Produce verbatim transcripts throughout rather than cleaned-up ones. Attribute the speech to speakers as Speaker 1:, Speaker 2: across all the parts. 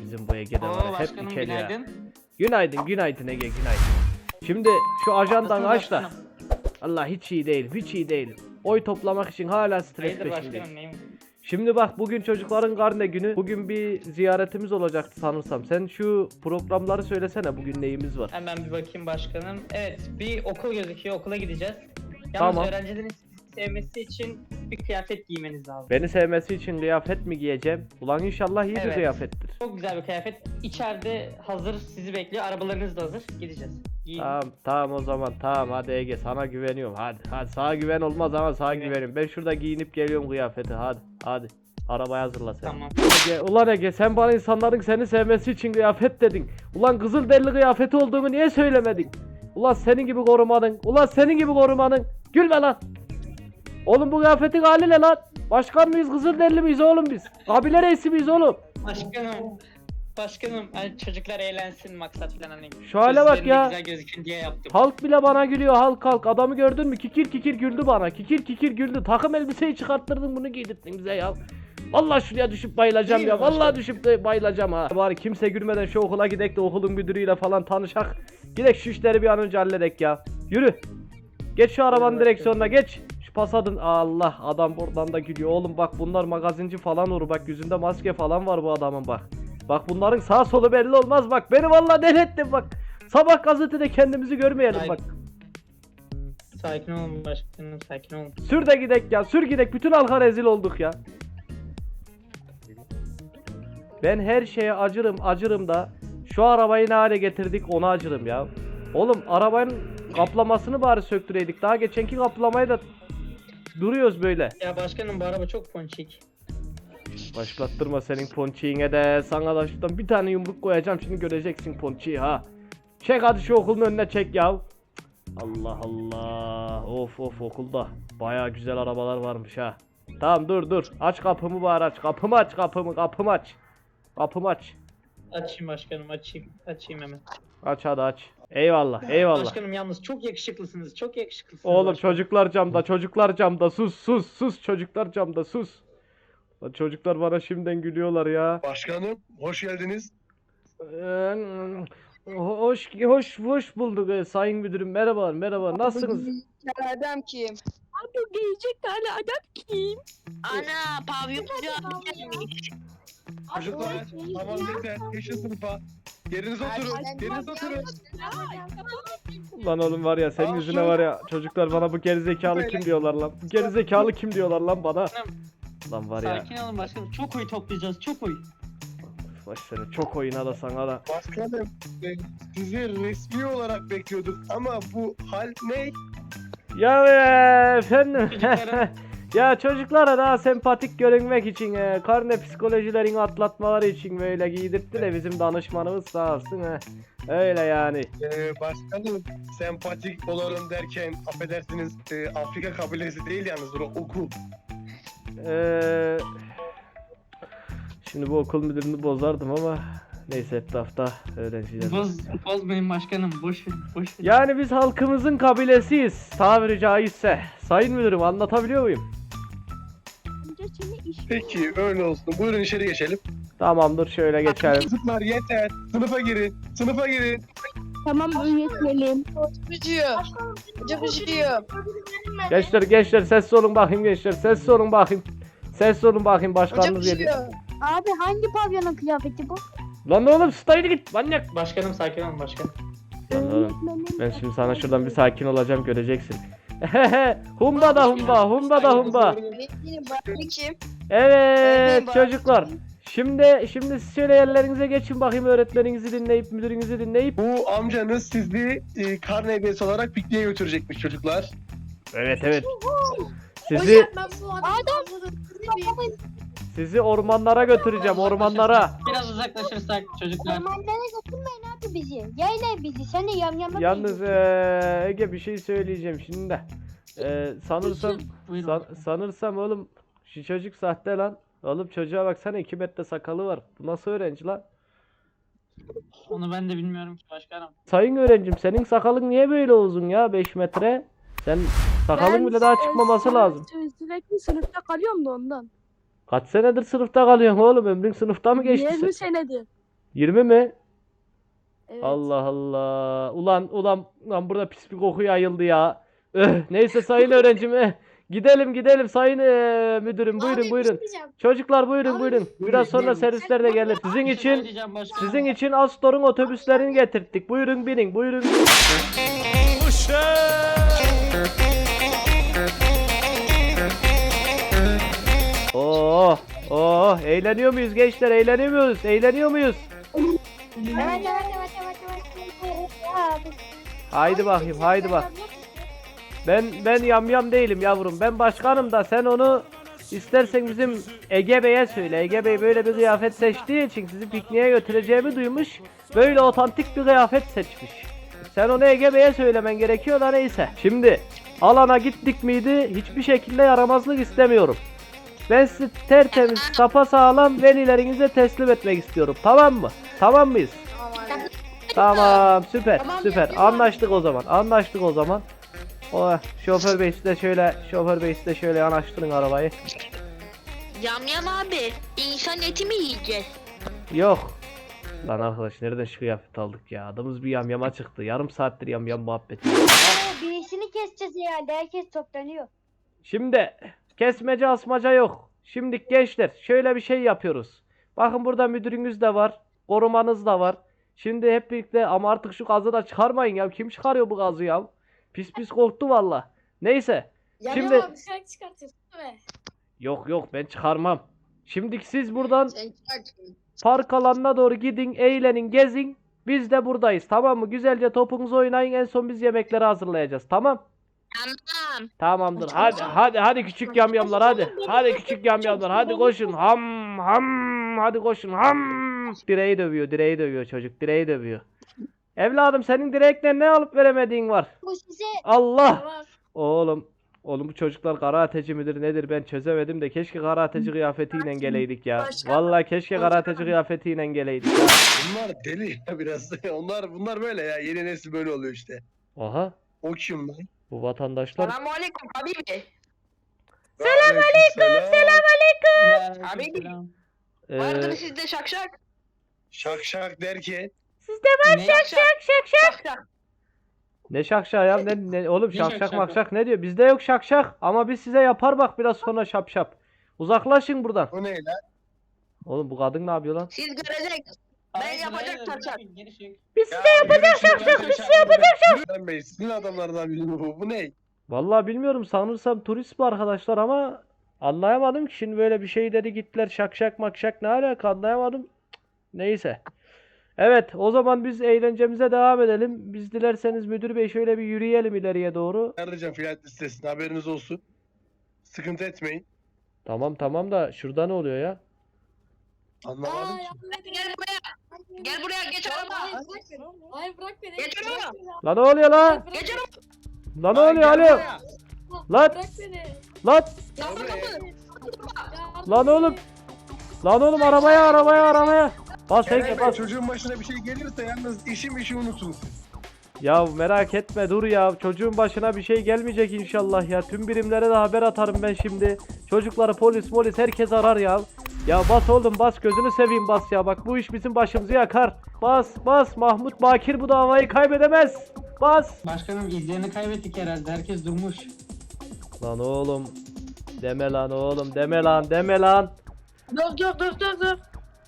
Speaker 1: Sizin bu Ege'de var
Speaker 2: Oo
Speaker 1: ya, hep
Speaker 2: başkanım
Speaker 1: ikili ya.
Speaker 2: günaydın.
Speaker 1: Günaydın günaydın Ege günaydın. Şimdi şu ajandan
Speaker 2: Nasılsınız
Speaker 1: aç da.
Speaker 2: başkanım?
Speaker 1: Allah hiç iyi değil hiç iyi değil. Oy toplamak için hala stres
Speaker 2: Hayırdır
Speaker 1: peşindeyim.
Speaker 2: başkanım neyim?
Speaker 1: Şimdi bak bugün çocukların karne günü. Bugün bir ziyaretimiz olacaktı sanırsam. Sen şu programları söylesene, bugün neyimiz var?
Speaker 2: Hemen bir bakayım başkanım. Evet bir okul gözüküyor, okula gideceğiz. Yalnız
Speaker 1: Tamam.
Speaker 2: öğrencilerin sizi sevmesi için bir kıyafet giymeniz lazım.
Speaker 1: Beni sevmesi için kıyafet mi giyeceğim? Ulan inşallah iyi bir
Speaker 2: Evet.
Speaker 1: kıyafettir.
Speaker 2: Çok güzel bir kıyafet. İçeride hazır sizi bekliyor. Arabalarınız da hazır. Gideceğiz. Giyin.
Speaker 1: Tamam tamam o zaman tamam hadi Ege sana güveniyorum hadi. Hadi sana güven olmaz ama sana
Speaker 2: Evet.
Speaker 1: güveniyorum. Ben şurada giyinip geliyorum kıyafeti hadi. Hadi. Arabayı hazırla sen.
Speaker 2: Tamam.
Speaker 1: Ege, ulan Ege sen bana insanların seni sevmesi için kıyafet dedin. Ulan Kızılderili kıyafeti olduğunu niye söylemedin? Ulan senin gibi korumanın. Ulan senin gibi korumanın. Gülme lan. Oğlum bu kıyafetin hali ne lan? Başkan mıyız Kızılderili miyiz oğlum biz? Kabile reisi miyiz oğlum?
Speaker 2: Başkanım. Başkanım hani çocuklar eğlensin maksat falan hani.
Speaker 1: Şu hale bak
Speaker 2: Gözlerinde
Speaker 1: ya.
Speaker 2: güzel gözükün diye yaptım.
Speaker 1: Halk bile bana gülüyor halk halk. Adamı gördün mü? Kikir kikir güldü bana. Kikir kikir güldü. Takım elbiseyi çıkarttırdın bunu giydirdin bize ya. Vallahi şuraya düşüp bayılacağım
Speaker 2: Değil
Speaker 1: ya.
Speaker 2: mi
Speaker 1: Vallahi
Speaker 2: başkanım?
Speaker 1: düşüp de bayılacağım ha. Bari kimse gülmeden şu okula gidek de okulun müdürüyle falan tanışak. Gidek şu işleri bir an önce halledek ya. Yürü. Geç şu arabanın
Speaker 2: Yürü
Speaker 1: direksiyonuna geç. Şu pasadın. Allah adam buradan da gülüyor. Oğlum bak bunlar magazinci falan olur. Bak yüzünde maske falan var bu adamın bak. Bak bunların sağ solu belli olmaz bak. Beni vallahi deli ettin bak. Sabah gazetede kendimizi görmeyelim
Speaker 2: Ay.
Speaker 1: bak.
Speaker 2: Sakin olun başkanım, sakin olun.
Speaker 1: Sür de gidek ya. Sür gidek. Bütün halka rezil olduk ya. Ben her şeye acırım acırım da şu arabayı ne hale getirdik ona acırım ya. Oğlum arabanın kaplamasını bari söktüreydik. Daha geçenki kaplamayı da duruyoruz böyle.
Speaker 2: Ya başkanım bu araba çok ponçik.
Speaker 1: Başlattırma senin ponçiğine de. Sana da şuradan bir tane yumruk koyacağım. Şimdi göreceksin ponçiği ha. Çek hadi şu okulun önüne çek ya. Allah Allah. Of of okulda baya güzel arabalar varmış ha. Tamam dur dur. Aç kapımı bari aç. Kapımı aç kapımı kapımı aç. Kapımı aç.
Speaker 2: Açayım başkanım, açayım. Açayım hemen.
Speaker 1: Aç hadi aç. Eyvallah eyvallah.
Speaker 2: Başkanım yalnız çok yakışıklısınız, çok yakışıklısınız.
Speaker 1: Oğlum
Speaker 2: başkanım.
Speaker 1: çocuklar camda çocuklar camda sus sus sus çocuklar camda sus. Lan çocuklar bana şimdiden gülüyorlar ya.
Speaker 3: Başkanım, hoş geldiniz.
Speaker 1: Ee, hoş hoş hoş bulduk ee, sayın müdürüm merhaba merhaba nasılsınız?
Speaker 4: Adam kim?
Speaker 5: Abi gelecek tane adam kim?
Speaker 4: Ana pavyoncu abi gelmiş.
Speaker 3: Çocuklar, tamam yeter. Geçin sınıfa. Yerinize oturun. Yerinize oturun.
Speaker 1: Lan oğlum var ya senin
Speaker 3: Aa,
Speaker 1: yüzüne
Speaker 3: şu-
Speaker 1: var ya çocuklar bana bu gerizekalı kim diyorlar lan. Bu gerizekalı kim diyorlar lan bana. Lan var ya.
Speaker 2: Sakin olun başkanım, çok oy toplayacağız, çok oy.
Speaker 1: Baş seni çok oyuna da sana da.
Speaker 3: Başkanım, e, sizi resmi olarak bekliyorduk ama bu hal ne?
Speaker 1: Ya e, efendim.
Speaker 2: Çocuklara-
Speaker 1: Ya çocuklara daha sempatik görünmek için e, karne psikolojilerini atlatmaları için böyle giydirtti de bizim danışmanımız sağ olsun he. Öyle yani.
Speaker 3: E, başkanım, sempatik olalım derken affedersiniz e, Afrika kabilesi değil yalnız o okul.
Speaker 1: Ee, şimdi bu okul müdürünü bozardım ama neyse etrafta öğrenciler.
Speaker 2: Boz, bozmayın başkanım, boş ver, boş ver.
Speaker 1: Yani biz halkımızın kabilesiyiz tabiri caizse. Sayın müdürüm anlatabiliyor muyum?
Speaker 5: Önce seni iş
Speaker 3: Peki öyle olsun. Buyurun içeri geçelim.
Speaker 1: Tamamdır şöyle geçelim.
Speaker 3: Çocuklar yeter. Sınıfa girin. Sınıfa girin.
Speaker 5: Tamam öğretmenim.
Speaker 4: Bıcıyor. Bıcı bıcıyor.
Speaker 1: Gençler gençler sessiz olun bakayım gençler sessiz olun bakayım. Sessiz olun bakayım
Speaker 4: Bıcı
Speaker 1: başkanınız geliyor.
Speaker 4: bıcıyor.
Speaker 5: Abi hangi pavyonun kıyafeti bu?
Speaker 1: Lan oğlum staydı git manyak.
Speaker 2: Başkanım sakin olun başkanım.
Speaker 1: Lan oğlum
Speaker 5: Öğretmenim.
Speaker 1: ben şimdi sana şuradan bir sakin olacağım göreceksin. humba da humba humba da humba.
Speaker 4: Öğretmenim bak kim?
Speaker 1: Evet
Speaker 4: Öğretmenim,
Speaker 1: çocuklar. Şimdi şimdi siz şöyle yerlerinize geçin bakayım öğretmeninizi dinleyip müdürünüzü dinleyip.
Speaker 3: Bu amcanız sizi e, karne hediyesi olarak pikniğe götürecekmiş çocuklar.
Speaker 1: Evet evet. Sizi
Speaker 5: Adam.
Speaker 1: sizi ormanlara götüreceğim ormanlara.
Speaker 2: Biraz uzaklaşırsak çocuklar.
Speaker 6: Ormanlara götürmeyin abi bizi. Yayla bizi. Sen de yamyama
Speaker 1: Yalnız eee, Ege bir şey söyleyeceğim şimdi de. Eee, sanırsam
Speaker 2: Buyurun.
Speaker 1: san- sanırsam oğlum şu çocuk sahte lan. Oğlum çocuğa baksana iki metre sakalı var. Bu nasıl öğrenci lan?
Speaker 2: Onu ben de bilmiyorum ki başkanım.
Speaker 1: Sayın öğrencim senin sakalın niye böyle uzun ya beş metre? Sen sakalın bile daha
Speaker 5: Ben,
Speaker 1: çıkmaması
Speaker 5: e,
Speaker 1: lazım.
Speaker 5: sü- Sürekli sınıfta kalıyorum da ondan.
Speaker 1: Kaç senedir sınıfta kalıyorsun oğlum? Ömrün sınıfta mı geçti?
Speaker 5: yirmi
Speaker 1: sen?
Speaker 5: senedir.
Speaker 1: yirmi mi?
Speaker 5: Evet.
Speaker 1: Allah Allah. Ulan ulan ulan burada pis bir koku yayıldı ya. Öh, neyse sayın öğrencim. eh. Gidelim gidelim sayın eh, müdürüm. Buyurun buyurun. Çocuklar buyurun buyurun. Biraz sonra servisler de gelir. Sizin
Speaker 2: Bir şey
Speaker 1: için
Speaker 2: söyleyeceğim başkanım.
Speaker 1: sizin için Astor'un otobüslerini getirttik. Buyurun binin. Buyurun. Oh, oh, eğleniyor muyuz gençler? Eğleniyor muyuz? Eğleniyor muyuz?
Speaker 6: Evet evet evet evet evet. Abi.
Speaker 1: Haydi bakayım, haydi bak. Ben ben yamyam değilim yavrum. Ben başkanım da sen onu istersen bizim Ege Bey'e söyle. Ege Bey böyle bir kıyafet seçtiği için sizi pikniğe götüreceğimi duymuş. Böyle otantik bir kıyafet seçmiş. Sen onu Ege Bey'e söylemen gerekiyor da neyse. Şimdi alana gittik miydi hiçbir şekilde yaramazlık istemiyorum. Ben sizi tertemiz, sapasağlam velilerinize teslim etmek istiyorum. Tamam mı? Tamam mıyız? Tamam, süper, süper. Anlaştık o zaman. Anlaştık o zaman. O şoför bey size şöyle, şoför bey size şöyle yanaştırın arabayı.
Speaker 4: Yamyam abi. İnsan eti mi yiyeceğiz?
Speaker 1: Yok. Lan arkadaş nereden şu kıyafet aldık ya? Adımız bir yamyama çıktı. Yarım saattir yamyam muhabbeti.
Speaker 6: Aa, birisini keseceğiz herhalde. Herkes toplanıyor.
Speaker 1: Şimdi kesmece asmaca yok. Şimdi gençler şöyle bir şey yapıyoruz. Bakın burada müdürünüz de var. Korumanız da var. Şimdi hep birlikte ama artık şu gazı da çıkarmayın ya. Kim çıkarıyor bu gazı ya? Pis pis korktu valla. Neyse. Şimdi
Speaker 5: bir şarkı çıkartıyorsun değil mi?
Speaker 1: yok yok ben çıkarmam. Şimdi siz buradan
Speaker 4: Sen çıkartın.
Speaker 1: park alanına doğru gidin, eğlenin, gezin. Biz de buradayız. Tamam mı? Güzelce topunuzu oynayın. En son biz yemekleri hazırlayacağız. Tamam?
Speaker 4: Tamam.
Speaker 1: Tamamdır. Hadi hadi hadi küçük yamyamlar hadi. Hadi küçük yamyamlar. Hadi koşun. Ham ham. Hadi koşun. Ham. Direği dövüyor. Direği dövüyor çocuk. Direği dövüyor. Evladım senin direkten ne alıp veremediğin var?
Speaker 6: Bu size
Speaker 1: Allah.
Speaker 5: Tamam.
Speaker 1: Oğlum. Oğlum bu çocuklar karateci midir nedir ben çözemedim de keşke karateci kıyafetiyle geleydik ya. Vallahi keşke karateci kıyafetiyle geleydik ya.
Speaker 3: Bunlar deli ya biraz. Onlar bunlar böyle ya. Yeni nesil böyle oluyor işte.
Speaker 1: Aha.
Speaker 3: O kim lan?
Speaker 1: Bu vatandaşlar.
Speaker 4: Selamünaleyküm habibi.
Speaker 3: Selamünaleyküm. Selam.
Speaker 2: Aleykümselam.
Speaker 1: Ee,
Speaker 4: Vardır sizde şakşak.
Speaker 3: Şak şak derken.
Speaker 2: Ne?
Speaker 4: Şakşak şakşak.
Speaker 1: ne şakşak ya ne, ne oğlum
Speaker 2: Ne
Speaker 1: şakşak
Speaker 2: şakşak
Speaker 1: makşak ne diyor? Bizde yok şakşak ama biz size yapar bak biraz sonra şap şap. Uzaklaşın buradan.
Speaker 3: O ne lan?
Speaker 1: Oğlum bu kadın ne yapıyor lan?
Speaker 4: Siz göreceksiniz. Ben yapacak şakşak.
Speaker 1: Biz
Speaker 3: Ya yapacak şak şak. Biz size yapacak şak. Lan bey sizin adamlardan biri bu. Bu ne?
Speaker 1: Vallahi bilmiyorum sanırsam turist bu arkadaşlar ama anlayamadım ki şimdi böyle bir şey dedi gittiler şakşak makşak ne alaka anlayamadım. Cık, neyse. Evet o zaman biz eğlencemize devam edelim. Biz dilerseniz müdür bey şöyle bir yürüyelim ileriye doğru.
Speaker 3: Arayacağım filan listesine haberiniz olsun. Sıkıntı etmeyin.
Speaker 1: Tamam tamam da şurada ne oluyor ya?
Speaker 3: Anlamadım ki.
Speaker 4: Gel buraya. Gel buraya geç araba.
Speaker 5: Hayır bırak beni.
Speaker 4: Geç araba.
Speaker 1: Lan ne oluyor lan?
Speaker 4: Geç araba.
Speaker 1: Lan ne oluyor alo? Lan
Speaker 5: Bırak beni.
Speaker 1: lan
Speaker 3: Gel buraya.
Speaker 1: lan oğlum. Lan oğlum arabaya arabaya arabaya. Bas
Speaker 3: Kerem
Speaker 1: Ege
Speaker 3: Bey,
Speaker 1: bas.
Speaker 3: çocuğun başına bir şey gelirse yalnız işim işi unutun.
Speaker 1: Ya merak etme dur ya. Çocuğun başına bir şey gelmeyecek inşallah ya. Tüm birimlere de haber atarım ben şimdi. Çocukları polis polis herkes arar ya. Ya bas oğlum bas gözünü seveyim bas ya. Bak bu iş bizim başımızı yakar. Bas bas Mahmut Bakir bu davayı kaybedemez. Bas.
Speaker 2: Başkanım izlerini kaybettik herhalde. Herkes durmuş.
Speaker 1: Lan oğlum. Deme lan oğlum deme lan deme lan.
Speaker 5: Dur dur dur dur dur.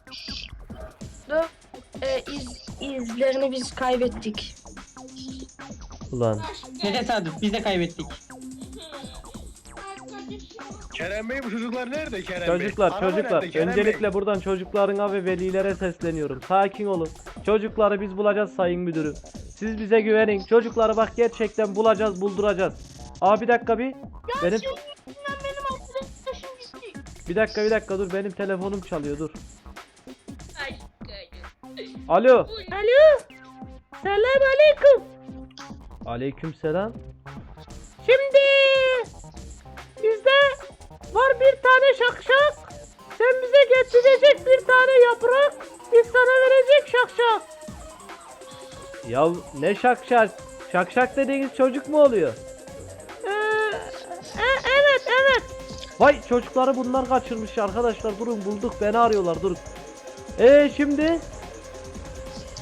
Speaker 5: Dur. Ee, iz, izlerini biz kaybettik.
Speaker 1: Ulan.
Speaker 2: Ne tesadüf biz de kaybettik.
Speaker 3: Kerem Bey bu çocuklar nerede Kerem Bey?
Speaker 1: Çocuklar
Speaker 3: Araba
Speaker 1: çocuklar
Speaker 3: nerede Kerem Bey?
Speaker 1: öncelikle buradan çocuklarına ve velilere sesleniyorum. Sakin olun. Çocukları biz bulacağız sayın müdürüm. Siz bize güvenin. Çocukları bak gerçekten bulacağız, bulduracağız. Aa bir dakika bir. Benim Bir dakika bir dakika dur benim telefonum çalıyor dur. Alo. Alo. Selam aleyküm. Aleyküm selam. Şimdi bizde var bir tane şakşak. Sen bize getirecek bir tane yaprak. Biz sana verecek şakşak. Ya ne şakşak? Şakşak dediğiniz çocuk mu oluyor? Ee, e, evet evet. Vay çocukları bunlar kaçırmış arkadaşlar. Durun bulduk beni arıyorlar durun. Ee şimdi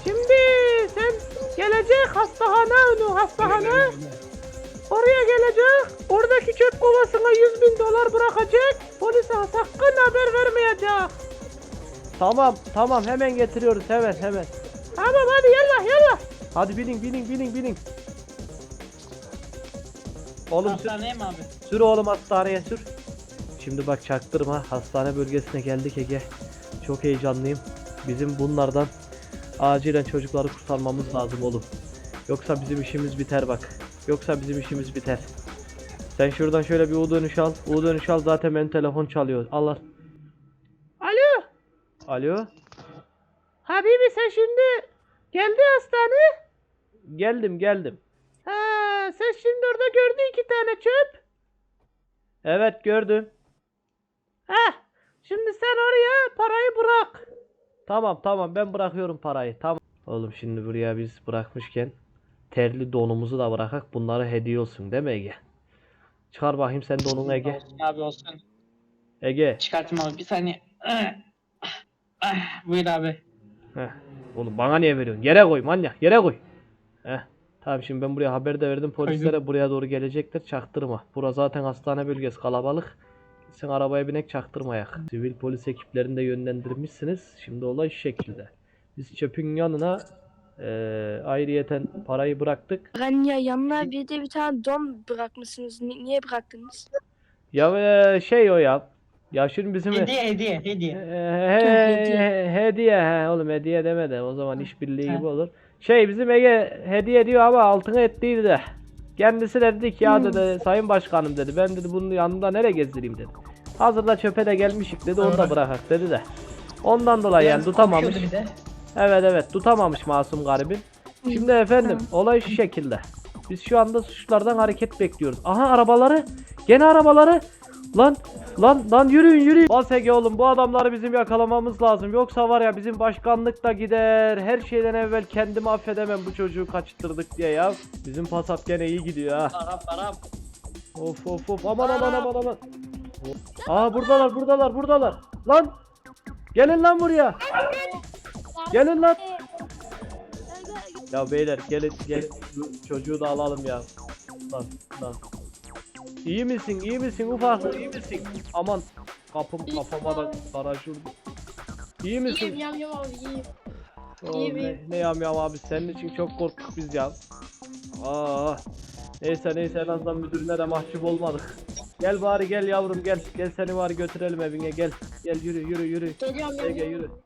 Speaker 1: Şimdi sen gelecek hastahane onu hastahane. Oraya gelecek. Oradaki çöp kovasına yüz bin dolar bırakacak. Polise sakın haber vermeyecek. Tamam tamam hemen getiriyoruz hemen hemen. Tamam hadi yallah yallah. Hadi binin binin binin binin. Oğlum sür,
Speaker 2: Hastaneye mi abi?
Speaker 1: sür oğlum hastaneye sür. Şimdi bak çaktırma hastane bölgesine geldik Ege. Çok heyecanlıyım. Bizim bunlardan acilen çocukları kurtarmamız lazım oğlum. Yoksa bizim işimiz biter bak. Yoksa bizim işimiz biter. Sen şuradan şöyle bir U dönüş al. U dönüş al zaten benim telefon çalıyor. Al al. Alo. Alo. Habibi sen şimdi geldi hastane. Geldim geldim. Ha, sen şimdi orada gördün iki tane çöp. Evet gördüm. Heh. Şimdi sen oraya parayı bırak. Tamam tamam ben bırakıyorum parayı. Tamam. Oğlum şimdi buraya biz bırakmışken terli donumuzu da bırakak. Bunlara hediye olsun değil mi Ege? Çıkar bakayım sen donunu Ege.
Speaker 2: Olsun abi olsun.
Speaker 1: Ege.
Speaker 2: Çıkartayım abi bir saniye. Buyur abi.
Speaker 1: Heh. Oğlum bana niye veriyorsun? Yere koy manyak yere koy. Heh. Tamam şimdi ben buraya haber de verdim polislere buraya doğru gelecekler çaktırma. Bura zaten hastane bölgesi kalabalık. Sen arabaya binek çaktırmayak. Sivil polis ekiplerini de yönlendirmişsiniz. Şimdi olay şu şekilde. Biz çöpün yanına eee ayrıyeten parayı bıraktık.
Speaker 5: Ranya yanına bir de bir tane don bırakmışsınız. Ni- niye bıraktınız?
Speaker 1: Ya eee, şey o ya. Ya şimdi bizim
Speaker 2: Hediye hediye hediye.
Speaker 1: Eee, he-
Speaker 5: hediye.
Speaker 1: he- hediye he oğlum hediye deme de o zaman işbirliği gibi olur. Şey bizim Ege hediye diyor ama altına ettiydi de. Kendisi de dedi ki ya dedi sayın başkanım dedi ben dedi bunun yanında nereye gezdireyim dedi. Hazırda çöpe de gelmişik dedi onu da bırakak dedi de. Ondan dolayı yani tutamamış.
Speaker 2: Korkuyordu bir de.
Speaker 1: Evet evet tutamamış masum garibin. Şimdi efendim olay şu şekilde. Biz şu anda suçlardan hareket bekliyoruz. Aha arabaları. Gene arabaları. Lan lan lan yürüyün yürüyün. Bas Ege oğlum bu adamları bizim yakalamamız lazım. Yoksa var ya bizim başkanlık da gider. Her şeyden evvel kendimi affedemem bu çocuğu kaçırtırdık diye ya. Bizim pasap gene iyi gidiyor ha.
Speaker 2: Arap Arap.
Speaker 1: Of of of aman aman aman aman. Aa buradalar buradalar buradalar. Lan. Gelin lan buraya. Gelin lan. Ya beyler gelin gelin şu çocuğu da alalım ya. Lan lan. İyi misin iyi misin ufaklık iyi misin? Aman kapım kafama da baraj vurdu. İyi misin?
Speaker 5: İyiyim yam yam abi iyiyim.
Speaker 1: Oğlum,
Speaker 5: iyiyim,
Speaker 1: ne,
Speaker 5: iyiyim.
Speaker 1: ne yam yam abi senin için çok korktuk biz ya. Aa. Neyse neyse en azından müdürüne de mahcup olmadık. Gel bari gel yavrum gel. Gel seni bari götürelim evine gel. Gel yürü yürü yürü.
Speaker 5: Geliyorum yam
Speaker 1: Ege
Speaker 5: yam.
Speaker 1: yürü.